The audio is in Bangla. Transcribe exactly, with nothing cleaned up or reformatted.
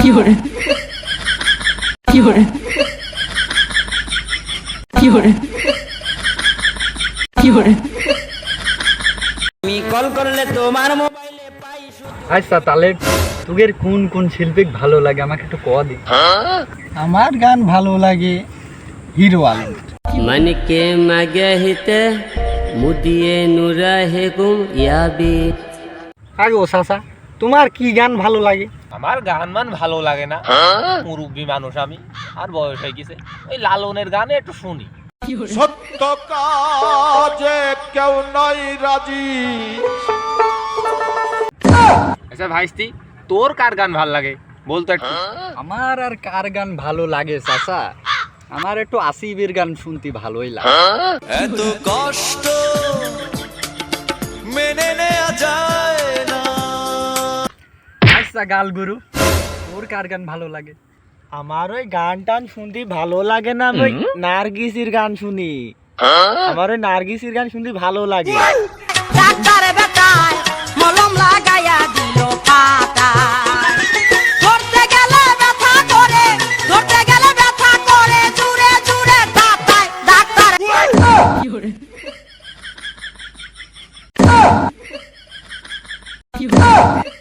有人，有人，有人，有人。 আমি কল করলে তোমার মোবাইলে পাই শুধু। আচ্ছা তাহলে তোদের কোন কোন শিল্পী ভালো লাগে আমাকে একটু কয়া দি। আমার গান ভালো লাগে হিরো আলম। मन के मगहिते मुदिए नुरहे गुम याबी। আগে ও চাচা তোমার কি গান ভালো লাগে? আমার গান মান ভালো লাগে না, মুরব্বী মানুষ আমি, আর বয়স হয়ে গেছে, ওই লালনের গানে একটু শুনি। সত্য কাজে কেউ নাই রাজি। আচ্ছা ভাইস্তি, তোর কার গান ভাল লাগে বলতো একটু। আমার আর কার গান ভালো লাগে চাচা, আমার একটু আসিফের গান শুনতে ভালোই লাগে। এত কষ্ট মেনে নেওয়া যায় না। আচ্ছা গাল গুরু, তোর কার গান ভালো লাগে? আমার ওই গান টান শুনতে ভালো লাগে না, ওই নার্গিসের গান শুনি। আমার ওই নার্গিসের গান শুনতে ভালো লাগে। ডাক্তারে বেটায় মলম লাগাইয়া দিল পাতায়, ধরতে গেলে ব্যথা করে, ধরতে গেলে ব্যথা করে, জুড়ে জুড়ে তাতায় ডাক্তার। 有人，有人。